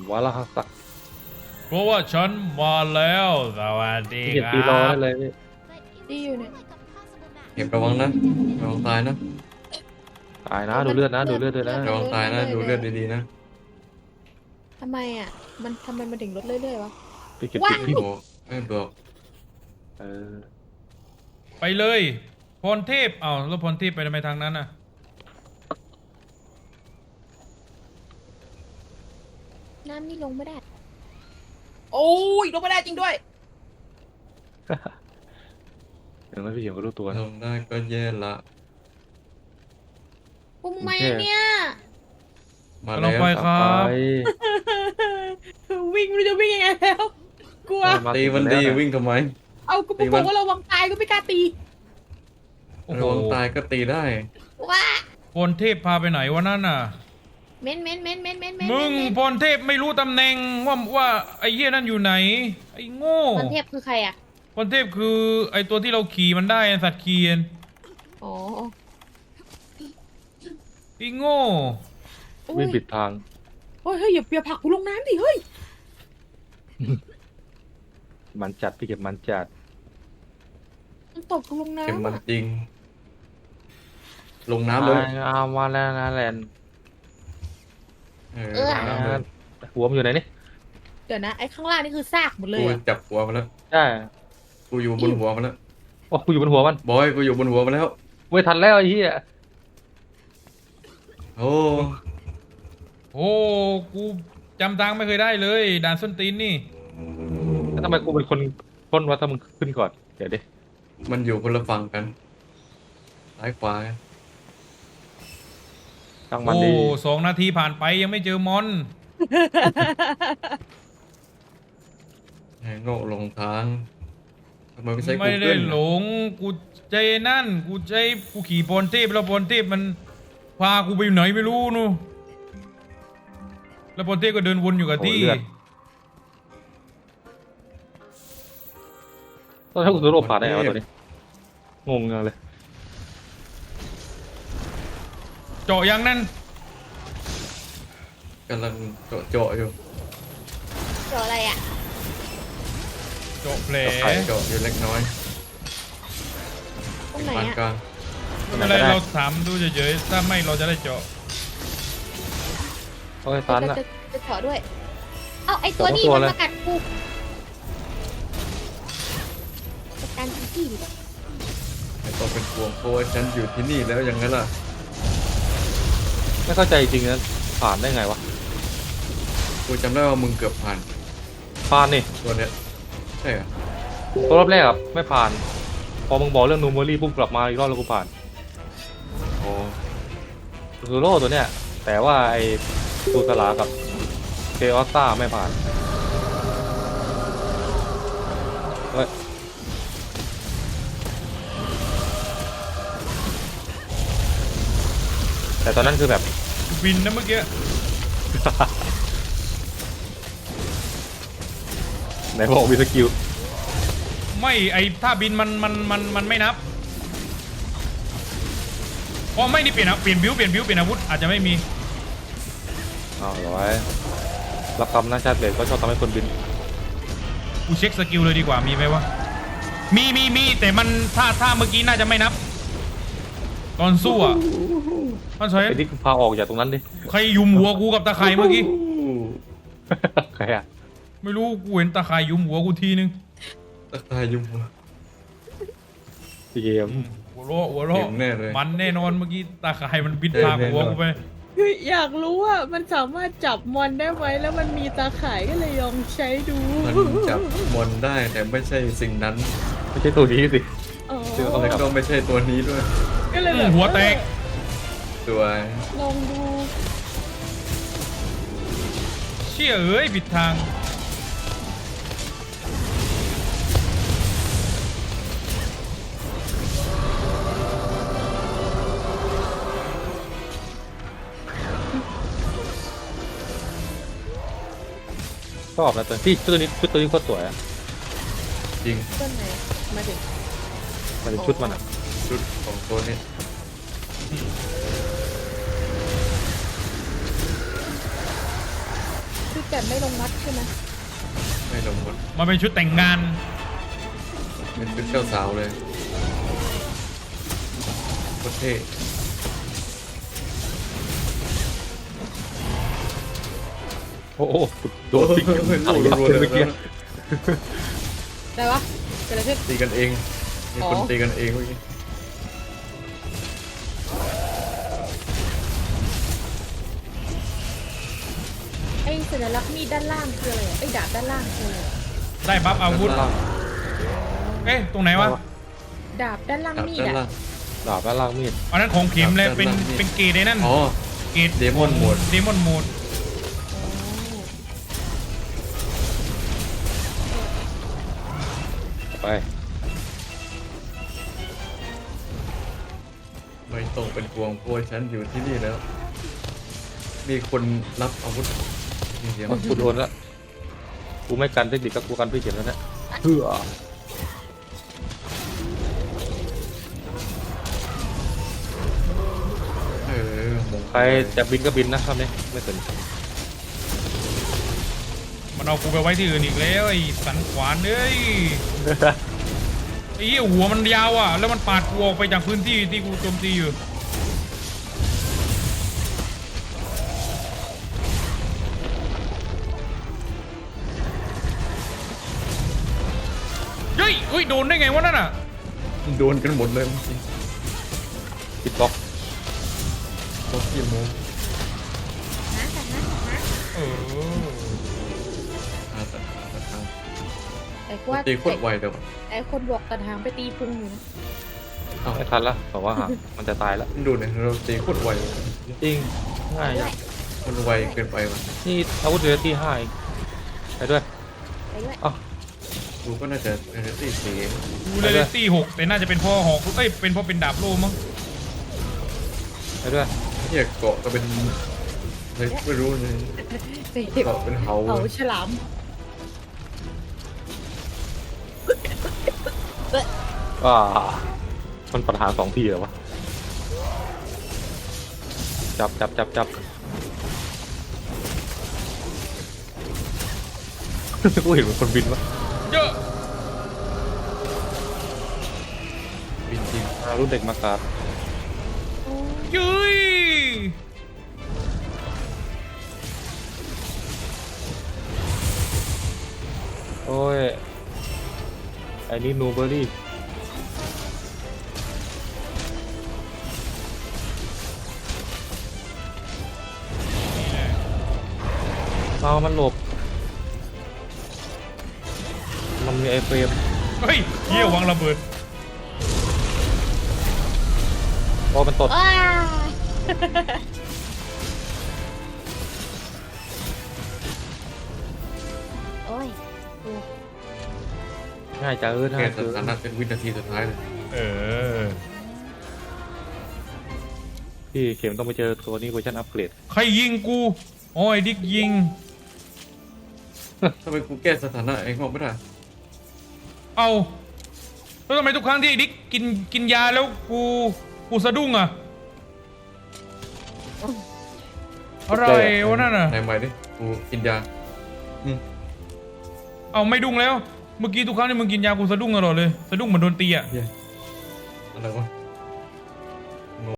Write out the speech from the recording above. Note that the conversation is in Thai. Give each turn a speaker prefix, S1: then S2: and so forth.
S1: วาระสัก
S2: เพราะว่าฉันมาแล้วสวัสดี
S1: ที่เก็บ
S2: ครั
S1: ตีรอได้
S2: บ
S1: เลยพี่
S3: ดีอยู่เนี่ย
S4: เก็บระวังนะระวังตายนะ
S1: ตายนะดูเลือดนะดูเลือดด้วยนะ
S4: ระวังตายนะดูเลือดดีๆนะ
S3: ทำไมอ่ะทำไมมันถึงลดเรื่อยๆวะ
S1: พี่เก็บติ
S3: ว้า
S1: ดพี่
S4: โอ้ไม่บอก
S1: เออ
S2: ไปเลยพรเทพแล้วพรเทพไปทำไมทางนั้นน่ะ
S3: น้ำนี่ลงไม่ได้โอ้ยลงไม่ได้จริงด้วย
S1: อย่างนั้นพี่เหี่ยวก็รู้ตัวนะ
S4: ลงได้ก็แย่ละ
S3: ปุ้มไม่เนี่ย
S4: มา
S2: เรา
S4: แล้ว
S2: ไปครับ
S1: ไป
S3: วิ่งไม่รู้จะวิ่งยังไงแล้วกลัว
S1: มา
S4: ตีมันดีวิ่งทำไม
S3: เอากูบอกว่าระวังตายก็ไม่กล้าตี
S2: โอ้โห
S4: ระวังตายก็ตีได้
S3: ว้า
S2: พรเทพพาไปไหนวะนั่นน่ะ
S3: เม้น
S2: มึงพรเทพไม่รู้ตำแหน่งว่าไอ้เหี้ยนั่นอยู่ไหนไอ้โง่
S3: ตอนเทพคือใครอ่ะ
S2: พรเทพคือไอ้ตัวที่เราขี่มันได้สัตว์เคียน
S3: อ๋อ
S2: ไอ้โง่
S1: วิ่งผิดทาง
S3: เฮ้ยอย่าผลักกูลงน้ำดิเฮ้ย
S1: มันจัดพี่เก็บมันจัด
S3: มันตบกูลงน้ำ
S4: เก็บมัน
S3: อะ
S4: จริง ลงน้ำเลย
S1: เอามาแล้วนะแลนด์
S4: น้ำเลย
S1: หัวมันอยู่ไหนนี่
S3: เดี๋ยวนะไอ้ข้างล่างนี่คือซากหมดเลย
S4: กู
S3: อะ
S4: จับหัวมันแล้ว
S1: ใช่
S4: กูอยู่บนหัวมันแล้ว
S1: โอ้กูอยู่บนหัวมัน
S4: บอยกูอยู่บนหัวมันแล้ว
S1: เว้ยทันแล้วไอ้เหี้ย
S4: โอ้
S2: โอ้กูจำทางไม่เคยได้เลยด่านส้นตีนนี่
S1: แล้วทำไมกูเป็นคนพ้นวะถ้ามึงขึ้นก่อนเดี๋ยวดิ
S4: มันอยู่คนละฝั่งกันซ้ายขวา
S1: ตั้งมัน
S2: โอ้
S1: ดี
S2: 2 นาทีผ่านไปยังไม่เจอมอน
S4: โง่ลงทางทำไมไม่ใช่กู
S2: ไม่ได้
S4: เกิล
S2: หลงกูใจนั่นกูขี่พรเทพแล้วพรเทพมันพากูไปไหนไม่รู้นู่นแล้วพรเทพก็เดินวนอยู่กับที่
S1: ตอนนี้กูตัวโลผ่านได้เหรอตัวนี้งงเลย
S2: เจาะยังนั่น
S4: กำลังเจาะอยู่
S3: เจออะไรอ่ะ
S2: เจาะแผล
S4: เจาะอยู่เล็กน้อย
S3: ตรงไหน
S4: ปาน
S3: อ่ะ
S4: กลาง
S2: ไม่เป็นไรเราถามดูเฉยๆถ้าไม่เราจะได้เจาะ
S1: โอ้ยตันอะ
S3: จะเจาะด้วย เอาไอ้ตัวนี้
S1: เจาะ
S3: มัน
S1: ตัวเลย
S3: มากัดกูจัดการที่ดิ
S4: ไม่ต้องเป็นห่วงเพราะว่าฉันอยู่ที่นี่แล้วอย่างนั้นล่ะ
S1: ไม่เข้าใจจริงนะผ่านได้ไงวะ
S4: กูจำได้ว่ามึงเกือบผ่าน
S1: ผ่านนี่
S4: ตัวเนี้ยใช่เหรอ
S1: ตัวรอบแรกอะไม่ผ่าน พอมึงบอกเรื่องนูเมอรี่ปุ๊บกลับมาอีกรอบแล้วกูผ่าน
S4: โอ้
S1: ซูโร่ตัวเนี้ยแต่ว่าไอ้ตูสลากับเทออสตาไม่ผ่านเฮ้ยแต่ตอนนั้นคือแบบ
S2: บินนะเมื่อกี้
S1: ไหนบอกมีสกิล
S2: ไม่ไอถ้าบินมันไม่นับอ๋อไม่นี่เปลี่ยนบิวเปลี่ยนอาวุธอาจจะไม่มี
S1: อ้าวร้อยรับคำนะชาติเบสก็ชอบทำให้คนบิน
S2: กูเช็คสกิลเลยดีกว่ามีไหมวะมีแต่มันถ้าเมื่อกี้น่าจะไม่นับ ตอนสู้อ่ะมันใช่
S1: ไอ้ที่พาออกจากตรงนั้นดิ
S2: ใครยุมหัวกูกับตะไคร่เมื่อกี้
S1: ใครอะ
S2: ไม่รู้กูเห็นตะไคร่ยุมหัวกูทีนึง
S4: ตะตายยุ่ง
S1: พี่เกม
S2: หัวเราะ
S4: เห็นแน่เลย
S2: มันแน่นอนเมื่อกี้ตะไคร่มันบินพาหัวกูไป
S3: คืออยากรู้ว่ามันสามารถจับมอนได้ไหมแล้วมันมีตาข่ายก็เลยลองใช้ดู
S4: มันจับมอนได้แต่ไม่ใช่สิ่งนั้น
S1: ไม่ใช่ตัวนี้สิ
S3: อ๋อ
S4: แล้วก็ไม่ใช่ตัวนี้ด้วย
S3: ก็เลยแบบ
S2: หัวแตก
S4: ตัว
S3: ลองดู
S2: เชี่ยเอ้ยผิดทาง
S1: ชอบนะตัวพี่ชุดตัวนี้โคตรสวยอะ
S4: จริง
S3: ต้นไหนมาถึง
S1: มันเป็นชุดมันอะ
S4: ชุดของตัวนี้
S3: คือแกไม่ลงวัดใช่ไหม
S4: ไม่ลงหมด
S2: มันเป็นชุดแต่งงาน
S4: เป็นเจ้าสาวเลยโคตรเท่
S1: โอ้โหโดนติ๊ก
S4: ลูกรัวๆ
S1: เมื่
S4: เล
S1: อย กี้
S3: ได้ปะเกิดอะไรขึ้น
S4: ตีกันเองมีคน
S3: อ๋อ
S4: ตีกันเองเมื่อกี้
S3: ไอ้สัญลักษณ์มีดด้านล่างคืออะไรอะไอ้ดาบด้านล่างคืออะไรอะ
S2: ได้บัฟอาวุธ
S1: ด้านล่าง
S2: เอ๊ะตรงไหนวะ
S3: ดาบด้านล่าง
S4: ดาบ
S3: มีด
S4: ด้าน
S3: อะ
S4: ล่าง
S1: ดาบด้านล่างมีด
S2: อันนั้นของเข็มเลย
S4: ครับ
S2: เป็น
S4: ด้านล่างนี่
S2: เป็นเกรดไอ้นั่น
S4: อ๋อ
S2: เกรด
S4: Demon Mode
S2: เดมอนโหมด
S1: ไป
S4: ไม่ต้องเป็นห่วงเพราะว่าฉันอยู่ที่นี่แล้ว มีคนรับอาวุธมีเสียง
S1: กูโดนแล้วกูไม่กันเทคนิคก็กูกันพี่เขียนแล้วเนี่ยเพื่อ
S4: มง
S1: ใครจะบินก็บินนะคำนี้ไม่สน
S2: มันเอากูไปไว้ที่อื่นอีกแล้วไอ้สันขวานเอ้ยไอ้เหี้ยหัวมันยาวอ่ะแล้วมันปาดกูออกไปจากพื้นที่ที่กูโจมตีอยู่เฮ้ยเฮ้ยโดนได้ไงวะนั่นอ่ะ
S4: โดนกันหมดเลยเมื่อกี้
S1: ปิดบล็อก
S4: รถกี่โมง
S3: นะแต่นะ
S2: เออ
S4: ตัดทาง
S3: ไอ้ว่า
S4: ตีโคตรไวเดี๋ยว
S3: ไอ้คนบอกตัดหางไปตีพุงอยู่นะ
S4: อ้าว
S1: ไม่ทันละบอกว่าหามันจะตายแล้ว
S4: ดูเนี่ยเราตีโคตรไว
S1: จริงง่ายจัง
S4: มันไวเกินไปว่ะ
S1: นี่อาวุธเหลือที่5อีกไปด้วย
S3: ไปด้วย
S1: อ้าว
S4: ดูก็น่าจะตีสี
S2: กูเลยได้ตี6แต่น่าจะเป็นเพ่อหอกเอ้ยเป็นเพ่อเป็นดาบโล่มั้ง
S1: ไปด้วย
S4: เนี่ยเกาะก็เป็นอะไรไม่รู้เลย
S3: เตะ
S4: เกาะเป็นเหา
S3: เขาฉลาม
S1: อ่ามันปัญหา2ที่เหรอวะจับ กูเห็นมันคนบินวะ
S2: เยอะ
S4: บินจริง
S1: รุ่นเด็กมากราบ
S2: ยุ้ย
S1: โอ้ยไอ้นี่นูเบอรี่เอามันหลบ มันมีไอเฟรม
S2: เฮ้ยเหี้ยวางระเบิด
S1: พอมันตด
S3: อ้า โอ้ยกู
S1: ง่ายจัง
S4: แค่
S1: ง่าย
S4: ส
S1: คือ
S4: ถานะเป็นวินาทีสุดท้ายเลย
S2: เออ
S1: พี่เข็มต้องไปเจอตัวนี้เวอร์ชันอัปเกรด
S2: ใครยิงกูโอ้ยดิกยิง
S4: ทำไมกูแก้สถานะเองบอกไม่ได้
S2: เอาแล้วทำไมทุกครั้งที่ไอ้ดิกกินยาแล้วกูสะดุ้งอ่ะอะไรวะนั่นอ่ะ
S4: ไหนใหม่ดิกูกินยา
S2: เอาไม่ดุ้งแล้ว เมื่อกี้ทุกครั้งที่มึงกินยากูสะดุ้งตลอดเลย สะดุ้งเหมือนโดนตีอ่ะ
S4: อะไรวะ